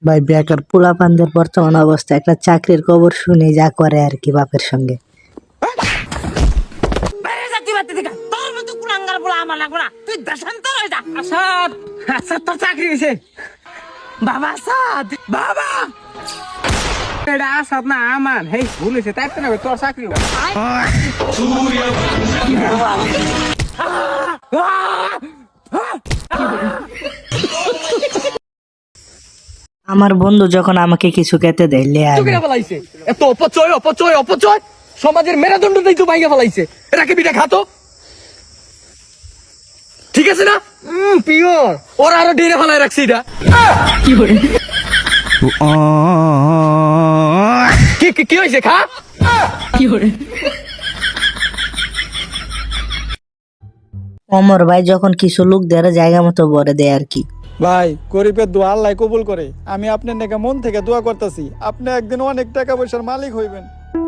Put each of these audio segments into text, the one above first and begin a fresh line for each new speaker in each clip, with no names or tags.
ভাই বেকার পোলাপানদের বর্তমান অবস্থা একটা চাকরির খবর শুনে যা করে আর কি বাপের সঙ্গে।
চাকরি হয়েছে বাবা আসাদ বাবা এটা আসাদ না আমার হেই ভুল হয়েছে তাই তো না তোর চাকরি
আমার বন্ধু যখন আমাকে কিছু খেতে দেয় লে আয়।
ফেলাইছে এত অপচয় অপচয় অপচয় সমাজের মেরুদণ্ড দেই তো ভাইয়া ফেলাইছে এটাকে বিটা খাতো ঠিক আছে না পিওর ওরা আরো ঢেরে ফেলাই রাখছে এটা কি করে কি হয়েছে খা কি করে
অমর ভাই যখন কিছু লোক দেয় জায়গা মতো ভরে দেয় আর কি।
ভাই গরিবের দোয়া আল্লাহ কবুল করে। আমি আপনার নাকি মন থেকে দোয়া করতেছি আপনি একদিন অনেক টাকা পয়সার মালিক হইবেন।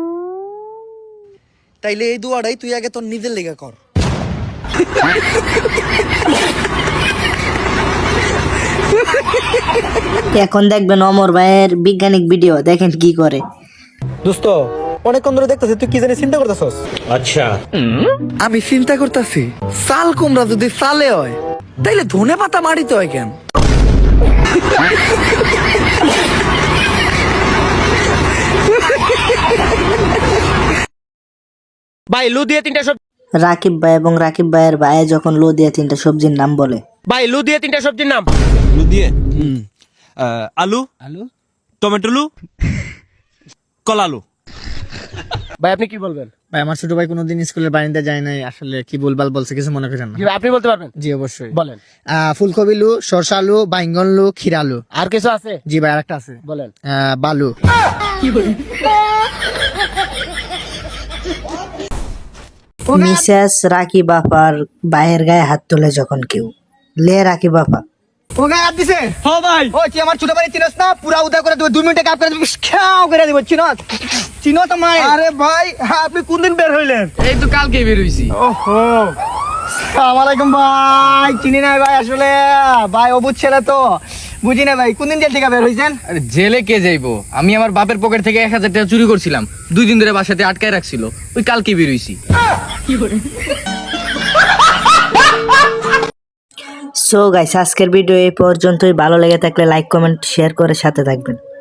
তাইলে এই দোয়াটাই তুই আগে তোর নিজের লেগে কর।
এখন দেখবেন অমর ভাইয়ের বিজ্ঞানিক ভিডিও, দেখেন কি করে।
দোস্ত অনেকক্ষণ ধরে দেখতেছি তুই কি জানি চিন্তা করতেছস।
আচ্ছা
আমি চিন্তা করতেছি চাল কুমড়া যদি চালে হয় তাইলে ধনে পাতা মাটিতে হয় কেন?
ভাই লু দিয়ে তিনটা সবজি
রাকিব ভাই এবং রাকিব ভাইয়ের ভাই যখন লো দিয়ে তিনটা সবজির নাম বলে।
ভাই লু দিয়ে তিনটা সবজির নাম
আলু দিয়ে আলু আলু টমেটো আলু কলা আলু।
ভাই আপনি কি বলবেন?
ভাই আমার ছোট ভাই কোনোদিন স্কুলের বারান্দা যায় নাই, আসলে কি বলবাল বলছে কিছু মনে করেন না।
জি ভাই, আপনি বলতে পারবেন?
জি অবশ্যই
বলেন।
ফুলকপি আলু, সরষা আলু, বাইঙ্গন আলু, ক্ষীরা আলু।
আর কিছু আছে?
জি ভাই আরেকটা আছে,
বলেন।
বালু।
মিসেস রাকিব আপার ভাইয়ের গায়ে হাত তোলে যখন কেউ, লে রাকিব আপা
ও গায়ে হাত দিছে।
হ্যাঁ ভাই
ও তুই আমার ছোট ভাই চিনস না? পুরা উদা করে দেব, 2 মিনিটে কাপ করে দেব, খাও করে দেব। চিনো তো মাই।
আরে ভাই আপনি কোন দিন বের হইলেন?
এই তো কালকে বের হইছি।
ওহো
আসসালামু আলাইকুম ভাই। চিনি না ভাই, আসলে ভাই অবুঝ ছেলে তো বুঝি না ভাই। কোন দিন জেল থেকে বের হইছেন?
আরে জেলে কে যাইবো? আমি আমার বাপের পকেট থেকে 1000 টাকা চুরি করছিলাম, 2 দিন ধরে বাসাতে আটকায় রাখছিল, ওই কালকে বেরোইছি।
সো গাইস আজকের ভিডিও এই পর্যন্তই। ভালো লেগে থাকলে লাইক কমেন্ট শেয়ার করে সাথে থাকবেন।